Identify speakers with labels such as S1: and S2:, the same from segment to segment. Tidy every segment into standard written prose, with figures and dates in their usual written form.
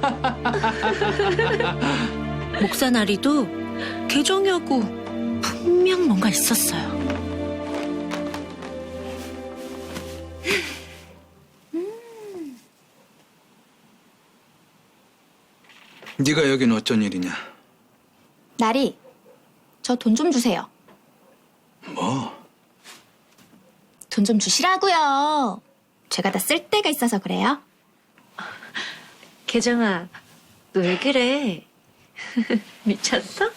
S1: 목사 나리도 계정이하고 분명 뭔가 있었어요.
S2: 네가 여긴 어쩐 일이냐?
S3: 나리, 저 돈 좀 주세요.
S2: 뭐?
S3: 돈 좀 주시라고요. 제가 다 쓸 데가 있어서 그래요.
S1: 계정아, 너 왜 그래? 미쳤어?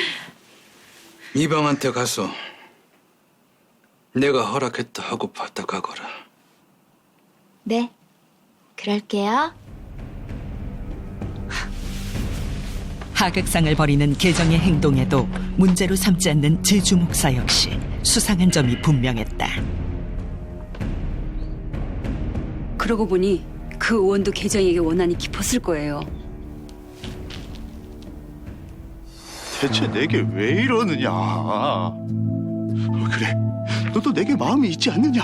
S2: 이방한테 가서 내가 허락했다 하고 받다 가거라.
S3: 네, 그럴게요.
S4: 하극상을 벌이는 계정의 행동에도 문제로 삼지 않는 제주 목사 역시 수상한 점이 분명했다.
S5: 그러고 보니 그 의원도 계정에게 원한이 깊었을 거예요.
S6: 대체 내게 왜 이러느냐? 그래, 너도 내게 마음이 있지 않느냐?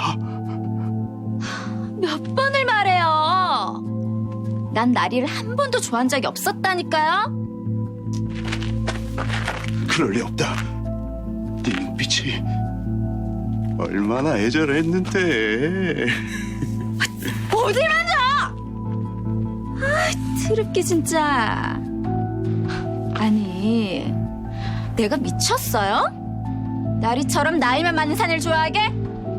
S3: 몇 번을 말해요. 난 나리를 한 번도 좋아한 적이 없었다니까요.
S6: 그럴 리 없다. 네 눈빛이 얼마나 애절했는데.
S3: 어딜 만져! 아, 드럽게 진짜. 아니, 내가 미쳤어요? 나리처럼 나이만 많은 사내를 좋아하게?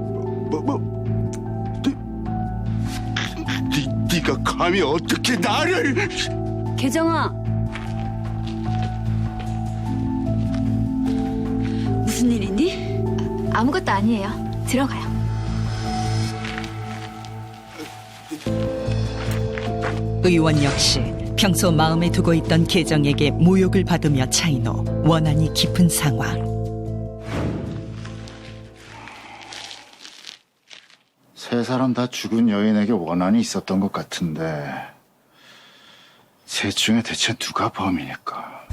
S6: 네가 감히 어떻게 나를?
S5: 계정아, 무슨 일 있니?
S3: 아무것도 아니에요. 들어가요.
S4: 의원 역시 평소 마음에 두고 있던 계정에게 모욕을 받으며 차이노 원한이 깊은 상황.
S7: 세 사람 다 죽은 여인에게 원한이 있었던 것 같은데 셋 중에 대체 누가 범인일까?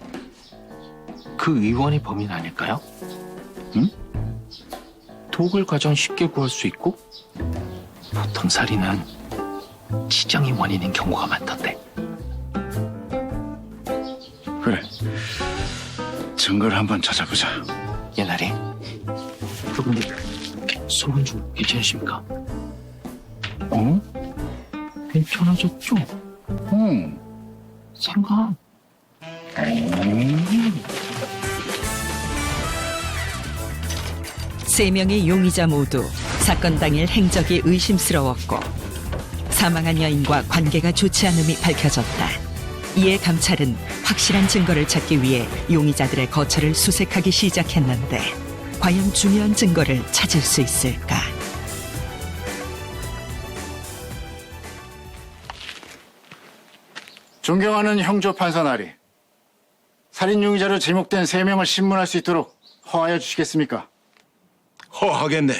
S8: 그 의원이 범인 아닐까요?
S7: 응?
S8: 독을 가장 쉽게 구할 수 있고 보통 살인은 치정이 원인인 경우가 많던데.
S7: 그래, 증거를 한번 찾아보자.
S8: 예나리, 그분들 소문 좀 괜찮으십니까?
S7: 어?
S8: 괜찮아졌죠?
S7: 응.
S8: 생각.
S4: 세 명의 용의자 모두 사건 당일 행적이 의심스러웠고 사망한 여인과 관계가 좋지 않음이 밝혀졌다. 이에 감찰은 확실한 증거를 찾기 위해 용의자들의 거처를 수색하기 시작했는데 과연 중요한 증거를 찾을 수 있을까?
S7: 존경하는 형조 판사 나리, 살인 용의자로 지목된 3명을 신문할 수 있도록 허하여 주시겠습니까?
S2: 허하겠네.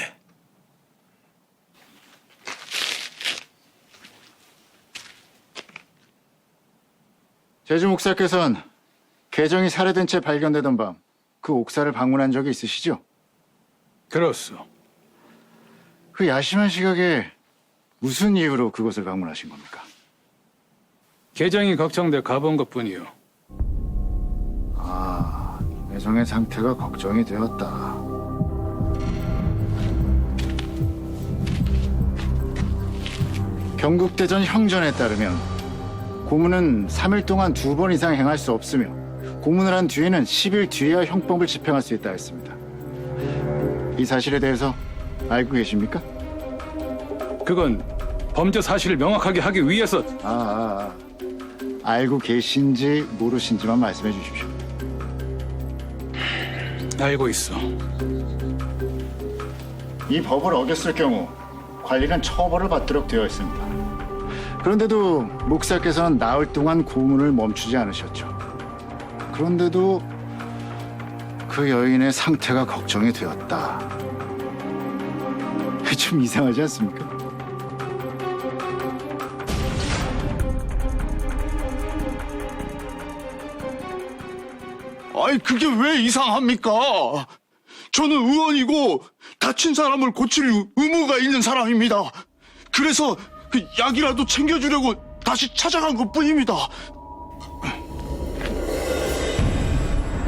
S7: 제주 목사께서는 계정이 살해된 채 발견되던 밤 그 옥사를 방문한 적이 있으시죠?
S2: 그렇소.
S7: 그 야심한 시각에 무슨 이유로 그곳을 방문하신 겁니까?
S2: 계정이 걱정돼 가본 것뿐이요.
S7: 아, 계정의 상태가 걱정이 되었다. 경국대전 형전에 따르면 고문은 3일 동안 2번 이상 행할 수 없으며 고문을 한 뒤에는 10일 뒤에야 형법을 집행할 수 있다 했습니다. 이 사실에 대해서 알고 계십니까?
S2: 그건 범죄 사실을 명확하게 하기 위해서.
S7: 알고 계신지 모르신지만 말씀해 주십시오.
S2: 알고 있어.
S7: 이 법을 어겼을 경우 관리는 처벌을 받도록 되어 있습니다. 그런데도 목사께서는 나흘 동안 고문을 멈추지 않으셨죠. 그런데도 그 여인의 상태가 걱정이 되었다. 좀 이상하지 않습니까?
S6: 아니, 그게 왜 이상합니까? 저는 의원이고 다친 사람을 고칠 의무가 있는 사람입니다. 그래서 그 약이라도 챙겨주려고 다시 찾아간 것뿐입니다.